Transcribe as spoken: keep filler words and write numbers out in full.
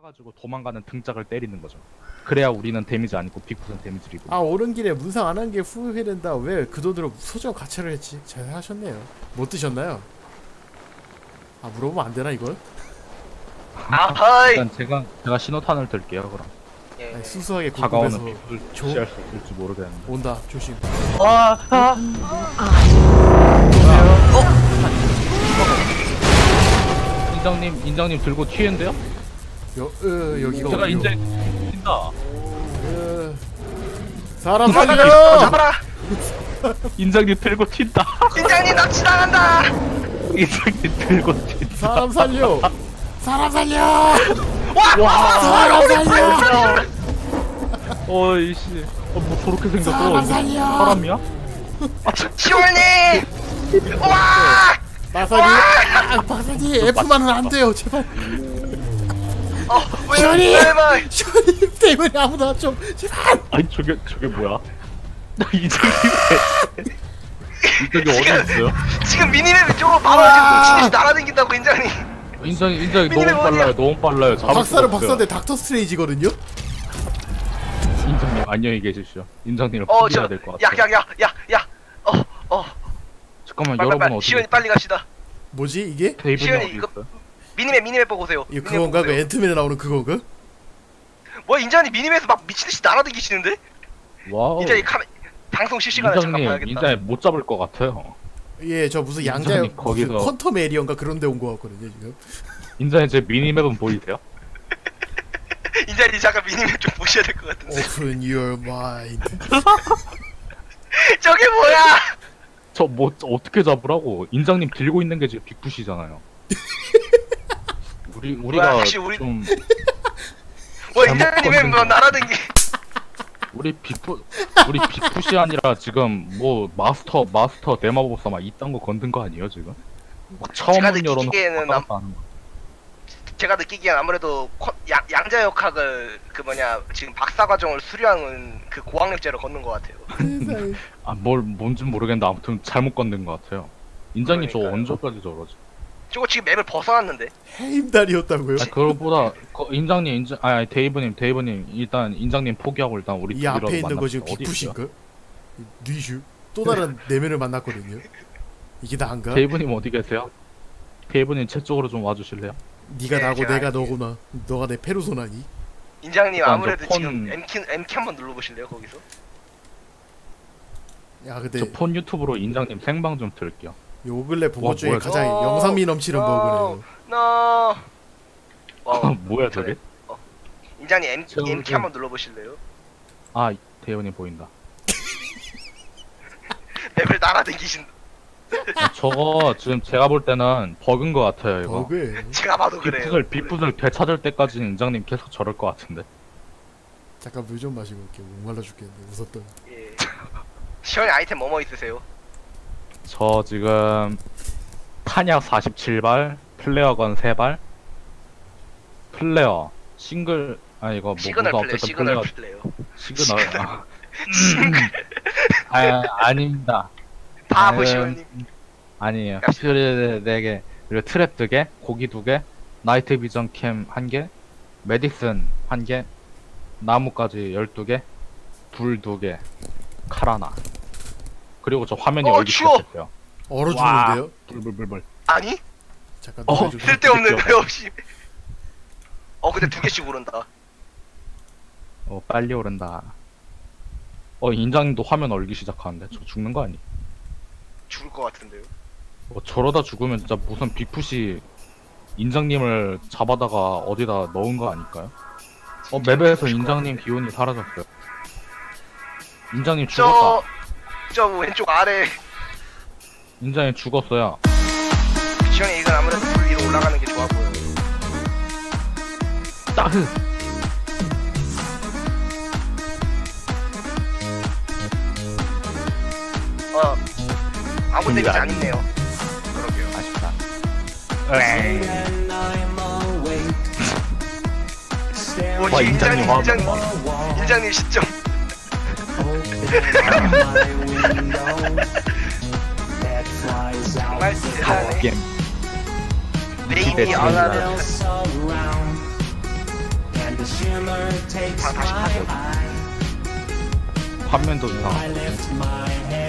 가지고 도망가는 등짝을 때리는 거죠. 그래야 우리는 데미지 안 입고 빅풋은 데미지를 입고. 아 오는 길에 문상 안 한 게 후회된다. 왜 그 돈으로 소정 가차를 했지? 잘 하셨네요. 못 드셨나요? 아 물어보면 안 되나 이걸? 아하이. 일단 제가 제가 신호탄을 들게요 그럼. 예. 아니, 수수하게 다가오는 굽굽해서 빅풋을 조- 무시할 수 있을지 모르겠는데. 온다. 조심. 와, 아, 인정님 인정님 들고 튀는데요? 여, 으, 여기가 제가 어디요? 인정 튄다. 으, 사람 잡아라, 살려! 잡아라. 인정님 들고 튄다. 팀장님 납치당한다. 인정님 들고 튄다. 사람 살려! 사람 살려! 와. 사람 살려! 어이씨. 어, 뭐 저렇게 생겼어? 사람 살려! 사람이야? 시원님. 와. 박사님! 아, 박사님! F만은 안 돼요, 제발! 어, 시원이! 왜, 왜, 시원님 때문에 아무나 좀, 제발! 아니 저게 저게 뭐야? 인정님 인정이 어디 있어요? 지금 미니맵 쪽으로 바로 지금 미친듯이 날아다닌다고 인장님. 인정 인정이 너무 미니맵 빨라요. 어디야? 너무 빨라요. 잡을 수가 박사는 없어요. 박사인데 닥터 스트레이지거든요? 인정님 안녕히 계십시오. 인정님을 어, 포기해야 저, 될 것 같아요. 약, 약, 약, 약, 약. 어, 어. 잠깐만 빨리, 여러분 빨리, 어디 시원이 빨리 갑시다. 뭐지, 이게? 데이브님 시원이 어디 이거- 있어요? 미니맵, 미니맵 보고 오세요. 이거 미니맵 그건가? 보고 그 오세요. 앤트맨에 나오는 그건가? 뭐 인장님 미니맵에서 막 미친듯이 날아다니시는데? 와우. 인장님 카메 방송 실시간에 잠깐 인정님 봐야겠다. 인정님 못 잡을 것 같아요. 예, 저 무슨 인정이 양자, 거기서- 무슨 퀀텀 에리언가 그런 데 온 거 같거든요, 지금. 인정님 제 미니맵은 보이세요? 인장님 잠깐 미니맵 좀 보셔야 될 것 같은데. Open your mind. 저게 뭐야? 저 뭐 어떻게 잡으라고? 인정님 들고 있는 게 지금 빅풋이잖아요. 우리 우리가 혹시 우리- 좀 뭐 잘못 인장님은 건든 뭐 거. 날아다니. 우리 빅풋 우리 빅풋이 아니라 지금 뭐 마스터 마스터 대마법사 막 이딴 거 건든 거 아니에요 지금? 막 처음 제가 문 열어놓고 느끼기에는 왔다 갔다 하는 거. 제가 느끼기엔 아무래도 코- 양, 양자역학을 그 뭐냐 지금 박사 과정을 수료하는 그 고학력제로 걷는 것 같아요. 세상에. 아뭘 뭔진 모르겠는데 아무튼 잘못 건든 거 같아요. 인장님 저 그러니까요. 언제까지 저러지? 저거 지금 맵을 벗어났는데. 해임달이었다고요? 아 그거보다 거- 인장님 인장 아니 데이브님 데이브님 일단 인장님 포기하고 일단 우리 이 둘이라도 앞에 있는 거 만납시다. 지금 어디 있어요? 빅풋인가? 뉘슈? 또 다른 내면을 만났거든요. 이게 나인가? 데이브님 어디 계세요? 데이브님 제 쪽으로 좀 와주실래요? 네가 네, 나고 제가 내가 할게요. 너구나. 너가 내 페르소나니? 인장님 일단 아무래도 저 폰- 지금 M키 M키 한번 눌러보실래요 거기서? 야 근데 저 폰 유튜브로 인장님 생방 좀 들을게요. 요 근래 본 와, 것 중에 뭐야, 가장 저거. 영상미 넘치는 어, 버그네요. 너. 와우. 뭐야 저게? 인장님 M 저- M키 한번 눌러보실래요? 아 데이브님 보인다. 맵을 날아다니신. 아, 저거 지금 제가 볼 때는 버그인 것 같아요 이거. 버그예요. 제가 봐도 그래요. 빅풋을 빅풋을 되찾을 때까지 인장님 계속 저럴 것 같은데. 잠깐 물 좀 마시고 올게. 목말라 죽겠네. 웃었더니. 예. 시원히 아이템 뭐뭐 있으세요? 저 지금 탄약 사십칠 발, 플레어건 세 발, 플레어 싱글 아 이거 뭐 시그널 뭐가 플레이, 어쨌든 시그널 플레어 플레이요. 시그널 아, 아 아닙니다. 바보 음, 시원님. 아니에요. 역시. 퓨리 네 개, 그리고 트랩 두 개, 고기 두 개, 나이트 비전 캠 한 개, 메디슨 한 개, 나무까지 열두 개, 불 두 개, 칼 하나. 그리고 저 화면이 어, 얼기 추워. 시작했어요. 얼어 와. 죽는데요? 불불불불. 아니? 잠깐 어, 노래 좀. 쓸데없는 그쵸. 거 없이. 어 근데 두 개씩 오른다. 어 빨리 오른다. 어 인장님도 화면 얼기 시작하는데 저 죽는 거 아니? 죽을 것 같은데요. 어 저러다 죽으면 진짜 무슨 빅풋이 인장님을 잡아다가 어디다 넣은 거 아닐까요? 어 맵에서 인장님 기운이 사라졌어요. 인장님 죽었다. 저, 저 왼쪽 아래. 인장님 죽었어요. 시원이 이건 아무래도 불 위로 올라가는 게 좋아 보여요. 따흐. 어, 아무 근데 데미지 안 아니- 있네요. 그러게요. 아쉽다. 오, 와, 지금 인장님 인장님, 화면 인장님, 봐. 인장님 시점. 정말 대단해. 게임. 레이디 기대 아나는 방 다시 파괴. 화면도 이상하고